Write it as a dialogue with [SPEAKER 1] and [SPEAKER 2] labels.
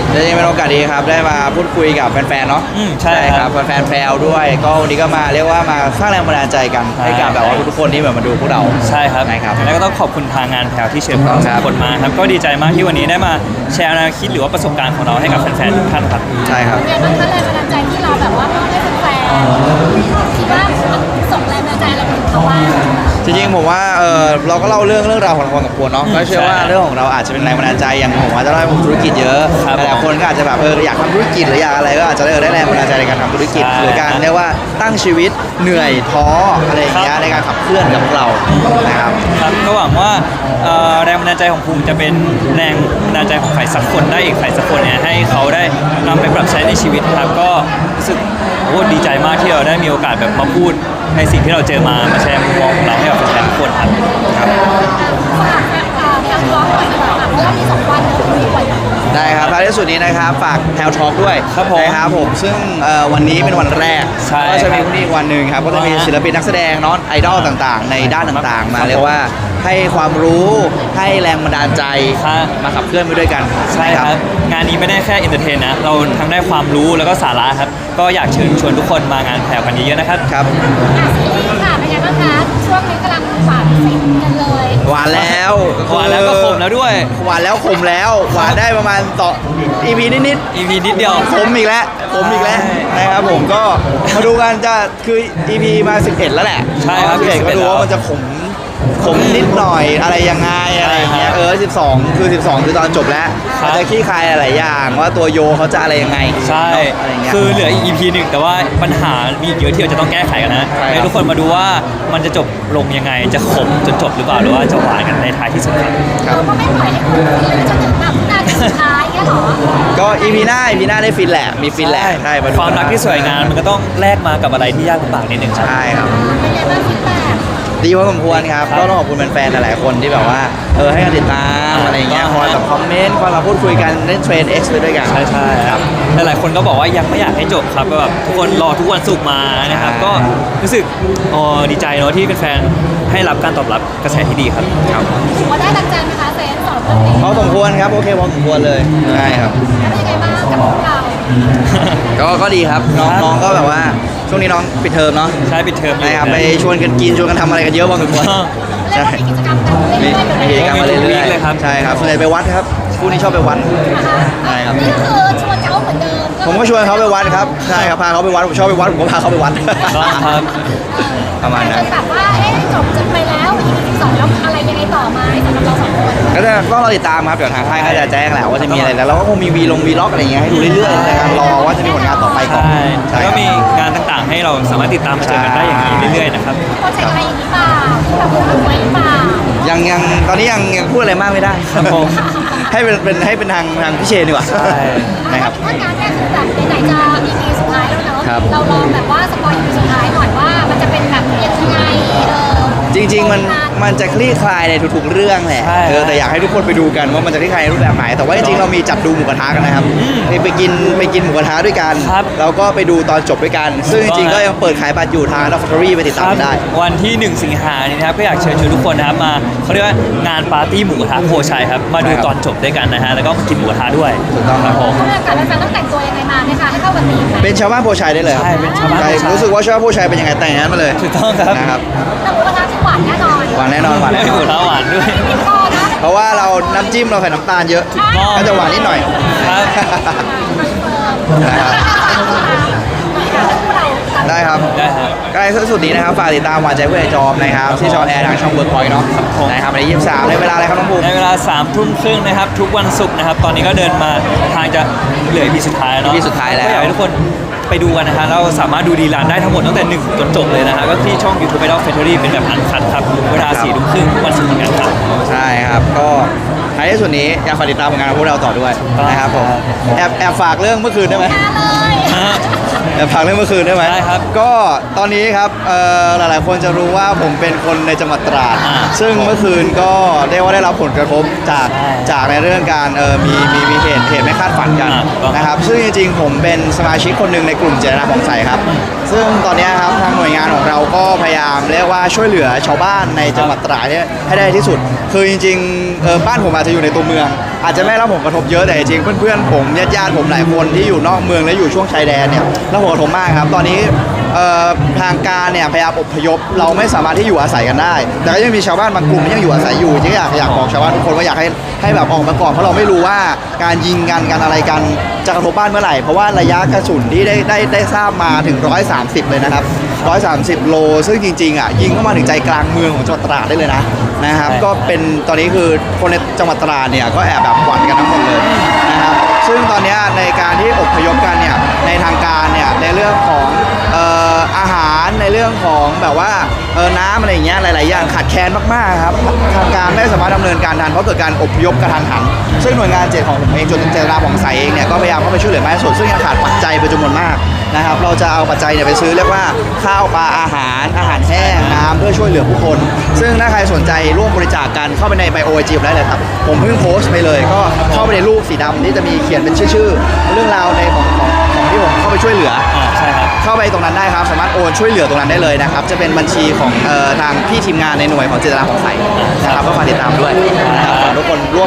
[SPEAKER 1] จริงๆเป็นโอกาสดีครับได้มาพูดคุยกับแฟนๆเนาะ
[SPEAKER 2] ใช่ครับ
[SPEAKER 1] แฟนๆแพรวด้วยก็วันนี้ก็มาเรียกว่ามาสร้างแรงบันดาลใจกันให้กับแบบว่าทุกคนที่แบบมาดูพวกเรา
[SPEAKER 2] ใช่ครับ
[SPEAKER 1] ครับ
[SPEAKER 2] แล้วก็ต้องขอบคุณทางงานแพรวที่เชิญพวกเราทุกคนมาครับก็ดีใจมากที่วันนี้ได้มาแชร์แนวคิดหรือว่าประสบการณ์ของเราให้กับแฟนๆทุกท่านครับ
[SPEAKER 1] ใช่ครับ
[SPEAKER 3] เป็นไงบ้างคะแรงบันดาลใจที่เราแบบว่ามอบให้แฟนๆคิดว่าส่งแรงบันดาลใจอะไรไปถึงเขาบ้าง
[SPEAKER 1] จริงๆผมว่าเราก็เล่าเรื่องราวของเราพอสมควรเนาะก็เชื่อว่าเรื่องของเราอาจจะเป็นแรงบันดาลใจอย่างผมว่าจะได้ธุรกิจเยอะหลายคนก็อาจจะแบบอยากทำธุรกิจหรืออยากอะไรก็อาจจะได้แรงบันดาลใจในการทำธุรกิจหรือการเรียกว่าตั้งชีวิตเหนื่อยท้ออะไรอย่างเงี้ยในการขับเคลื่อนกับพวกเรานะครับ
[SPEAKER 2] ครับก็หวังว่าแรงบันดาลใจของภูมิจะเป็นแรงบันดาลใจของใครสักคนได้อีกใครสักคนเนี่ยให้เขาได้นำไปปรับใช้ในชีวิตครับก็รู้สึกดีใจมากที่เราได้มีโอกาสแบบมาพูดในสิ่งที่เราเจอมาแชร์มุมมองของเราให้กับแฟนๆทุกคนครับ
[SPEAKER 3] ฝากแพลร้องหน่อยดีกว่าเพราะว่ามี2 วันมีวัน
[SPEAKER 1] ได้ครับท้ายที่สุดนี้นะครับฝากแพลวทอล์กด้วยนะครับผมซึ่งวันนี้เป็นวันแรกก็จะมีพรุ่งนี้อีกวันหนึ่งครับก็จะมีศิลปินนักแสดงน้องไอดอลต่างๆในด้านต่างๆมาเรียกว่าให้ความรู้ให้แรงบันดาลใจมาขับเคลื่อนไปด้วยกัน
[SPEAKER 2] ใช่ครับงานนี้ไม่ได้แค่เอนเตอร์เทนนะเราทั้งได้ความรู้แล้วก็สาระครับก็อยากเชิญชวนทุกคนมางานแพรวกันเยอะๆนะครับ
[SPEAKER 1] ครับ
[SPEAKER 3] ซีรีส์ค่ะเป็นไงบ้างคะช่วงนี้กำลังหวานฟินกันเลย
[SPEAKER 1] หวานแล้ว
[SPEAKER 2] ก็คมแล้วด้วย
[SPEAKER 1] หวานแล้วคมแล้วหวานได้ประมาณ2 EP นิด
[SPEAKER 2] EP นิดเดียว
[SPEAKER 1] คมอีกแล้วนะครับผมก็มาดูกันจะคือ EP มา11แล้วแหละ
[SPEAKER 2] ใช่ครับ
[SPEAKER 1] 11ก็ดูว่ามันจะขมนิดหน่อยอะไรยังไงอะไรอย่างเงี้ย12คือตอนจบแล้วมันจะขี้คายหลายอย่างว่าตัวโยเขาจะอะไรยังไง
[SPEAKER 2] ใช่คือเหลือ EP หนึ่งแต่ว่าปัญหามีเยอะที่เราจะต้องแก้ไขกันนะให้ทุกคนมาดูว่ามันจะจบลงยังไงจะขมจนจบหรือเปล่าหรือว่าจะหวานกันในท้ายที่สุด
[SPEAKER 3] ครับเราก็ไม่ปล่อยให้คุณฟินจนถึงแบบนาทีสุดท้ายแค่หรอ
[SPEAKER 1] ก็ EP หน้าได้ฟินแหละมีฟินแหละใช่
[SPEAKER 2] ความรักที่สวยงามมันก็ต้องแลกมากับอะไรที่ยากลำบากนิดนึง
[SPEAKER 1] ใช่ครับ
[SPEAKER 3] เป็นไงบ้างฟีดแบ็ก
[SPEAKER 1] ดีพอสมควรครับก็ต้องขอบคุณแฟนๆหลายๆคนที่แบบว่าให้การติดตามอะไรเงี้ยคอยแบบคอมเมนต์คอยมาพูดคุยกันเล่นเทรน X ไปด้วยกัน
[SPEAKER 2] ใช่ครับหลายๆคนก็บอกว่ายังไม่อยากให้จบครับแบบทุกคนรอทุกวันศุกร์มานะครับก็รู้สึกดีใจเนาะที่แฟนๆให้รับการตอบรับกระแสที่ดีครับ
[SPEAKER 3] ถือว่าได้ดังใจไหมคะเซนสองเรื่องนี้
[SPEAKER 1] พอสมควรครับโอเคพอสมควรเลยใช่ครับ
[SPEAKER 3] แล้วเป็นยังไงบ้างกับพวกเรา
[SPEAKER 1] ก็ดีครับน้องก็แบบว่าช่วงนี้น้องปิดเทอมเนาะ
[SPEAKER 2] ใช่ปิดเทอม
[SPEAKER 1] นะครับไปชวนกันกินชวนกันทำอะไรกันเยอะพอสมควร
[SPEAKER 3] ใช่มีกิจกรรมกันเรื่อยๆ
[SPEAKER 1] มีกิจกรรมมาเรื่อยๆเลยครับใช่ครับส่วนใหญ่ไปวัดครับคู่นี้ชอบไปวัด
[SPEAKER 3] ใช่ครับนี่คือชวนเขาเหมือนเดิม
[SPEAKER 1] ผมก็ชวนเขาไปวัดครับใช่ครับพาเขาไปวัดผมชอบไปวัดผมก็พาเขาไปวัด
[SPEAKER 2] ครับ
[SPEAKER 1] ประมาณนั้น
[SPEAKER 3] แบบว่าจบไปแล้ว EP 12แล้วอะไรยังไงต่อมาสำหรับเรา2 คน
[SPEAKER 1] ก็จะต้องรอติดตามครับเดี๋ยวทางค่ายก็จะแจ้งแหละว่าจะมีอะไรแล้วเราก็คงมีวีล็อกอะไรอย่างเงี้ยให้ดูเรื่อยๆในการรอว่าจะมีผลงานต่อไปก่อน
[SPEAKER 2] ใช่ก็มีงานต่างๆให้เราสามารถติดตามมาเจอกันได้อย่างนี้เรื่อยๆนะครับ
[SPEAKER 3] โปรเจกต์อะไรอีกหรือเปล่าที่แบบพูดไว้หรือเปล่า
[SPEAKER 1] ยังตอนนี้ยังพูดอะไรมากไม่ได้ครับผมให้เป็นทางพี่เชนดีกว่า
[SPEAKER 3] ใช่นะครับถ้างานแรกคือแบบไหนๆจะ EP สุดท้ายแล้วเนาะเราลองแบบว่าสปอย EP สุดท้ายหน่อยว่ามันจะเป็นแบบยังไง
[SPEAKER 1] จริงๆมันจะคลี่คลายในทุกๆเรื่องแหละแต่อยากให้ทุกคนไปดูกันว่ามันจะคลี่คลายในรูปแบบไหนแต่ว่าจริงๆเรามีจัดดูหมูกระทะกันนะครับไปกินหมูกระทะด้วยกันแล้วก็ไปดูตอนจบด้วยกันซึ่งจริงๆก็ยังเปิดขายบัตรอยู่ทางLove Factoryไปติดตามได้
[SPEAKER 2] วันที่1 สิงหาคมนี้นะครับก็อยากเชิญชวนทุกคนนะครับมาเขาเรียกว่างานปาร์ตี้หมูกระทะโพชัยครับมาดูตอนจบด้วยกันนะฮะแล้วก็มากินหมูกระทะด้วย
[SPEAKER 1] ถูกต้องครับผม
[SPEAKER 3] ถ้าอากาศแฟนๆต้องแต่งตัวยังไงมาไหมคะให้เข้ากับธีม
[SPEAKER 1] เป็นชาวบ้านโพชัยได้เลยครับ
[SPEAKER 2] ใช่เป็นชาวบ้าน
[SPEAKER 1] รู้สึกว่าชาวบ้านโพชัยเป็นยังไงแต่งงานมาเลย
[SPEAKER 2] ถูกต้องครับ
[SPEAKER 1] นะครับ
[SPEAKER 3] แต่หมูกระทะที่หวานแน่นอน
[SPEAKER 1] หวานแน่นอน
[SPEAKER 2] หวานด้วย
[SPEAKER 1] เพราะว่าเราน้ำจิ้มเราใส่น้ำตาลเยอะก็จะหวานนิดหน่อยได้ครับใกล้สุดนี้นะครับฝากติดตามหวานใจเพื่อนจอมนะครับที่จอแอร์ทางช่องเวิร์กพอยต์เนาะนะครับใน23ในเวลาอะไรครับน้องภูมิ
[SPEAKER 2] ในเวลา21:30นะครับทุกวันศุกร์นะครับตอนนี้ก็เดินมาทางจะเหลือ EP สุดท้ายเนาะ
[SPEAKER 1] สุดท้ายแล้ว
[SPEAKER 2] ก็อยากให้ทุกคนไปดูกันนะฮะเราสามารถดูดีลานได้ทั้งหมดตั้งแต่1จนจบเลยนะฮะก็ที่ช่อง YouTube Idol Factory เป็นแบบอันคัทครับเวลา22:30ทุกวันศุกร์เหมือนกันครับ
[SPEAKER 1] ใช่ครับก็ท้ายที่สุดนี้อยากฝากติดตามผลงานของพวกเราต่อด้วยนะครับผมแอบฝากเรื่องเมื่อคืนได้ไหมพักเรื่องเมื่อคืนได้ไหม
[SPEAKER 2] ได้ครับ
[SPEAKER 1] ก็ตอนนี้ครับหลายๆคนจะรู้ว่าผมเป็นคนในจังหวัดตราด ซึ่งเมื่อคืนก็เรียกว่าได้รับผลกระทบจากในเรื่องการมีเหตุไม่คาดฝันกันนะครับซึ่งจริงๆผมเป็นสมาชิกคนหนึ่งในกลุ่มเจตนาผ่องใสครับซึ่งตอนนี้ครับทางหน่วยงานของเราก็พยายามเรียกว่าช่วยเหลือชาวบ้านในจังหวัดตราดเนี่ยให้ได้ที่สุด คือจริงๆบ้านผมอาจจะอยู่ในตัวเมือง อาจจะไม่รับผลกระทบเยอะแต่จริงๆเพื่อนๆผมญาติๆผมหลายคนที่อยู่นอกเมืองและอยู่ช่วงชายแดนเนี่ยรับผลกระทบมากครับตอนนี้ทางการเนี่ยพยายามอพยพเราไม่สามารถที่อยู่อาศัยกันได้ แต่ก็ยังมีชาวบ้านบางกลุ่มที่ยังอยู่อาศัยอยู่ที่อยากบอกชาวบ้านทุกคนว่าอยากให้แบบออกมาก่อนเพราะเราไม่รู้ว่าการยิงกันอะไรกันจะกระทบบ้านเมื่อไหร่เพราะว่าระยะกระสุนที่ได้ทราบมาถึง130เลยนะครับ130 โลซึ่งจริงๆอ่ะยิงเข้ามาถึงใจกลางเมืองของจังหวัดตราดได้เลยนะครับก็เป็นตอนนี้คือคนในจังหวัดตราดเนี่ยก็แอบแบบหวั่นกันทั้งหมดเลยนะครับซึ่งตอนนี้ในการที่อพยพกันเนี่ยในทางการเนี่ยในเรื่องของอาหารในเรื่องของแบบว่าน้ำอะไรอย่างเงี้ยหลายๆอย่างขาดแคลนมากๆครับทางการไม่สามารถดำเนินการทันเพราะเกิดการอพยพกระทันหันซึ่งหน่วยงานเจตของผมเองจนเจตนาของใสเองเนี่ยก็พยายามเข้าไปช่วยเหลือแม่ส่วนซึ่งยังขาดปัจจัยเป็นจำนวนมากนะครับเราจะเอาปัจจัยเนี่ยไปซื้อเรียกว่าข้าวปลาอาหารแห้งน้ำเพื่อช่วยเหลือผู้คนซึ่งถ้าใครสนใจร่วมบริจาคกันเข้าไปในไบโอจีได้เลยครับผมเพิ่งโพสต์ไปเลยก็เข้าไปในรูปสีดำที่จะมีเขียนเป็นชื่อเรื่องราวในของที่ผมเข้าไปช่วยเหลือ
[SPEAKER 2] ใช่ครับ
[SPEAKER 1] เข้าไปตรงนั้นได้ครับสามารถโอนช่วยเหลือตรงนั้นได้เลยนะครับจะเป็นบัญชีของทางพี่ทีมงานในหน่วยของเจตนาของใสนะครับก็ฝากติดตามด้วยนะครับฝากทุกคนร่วม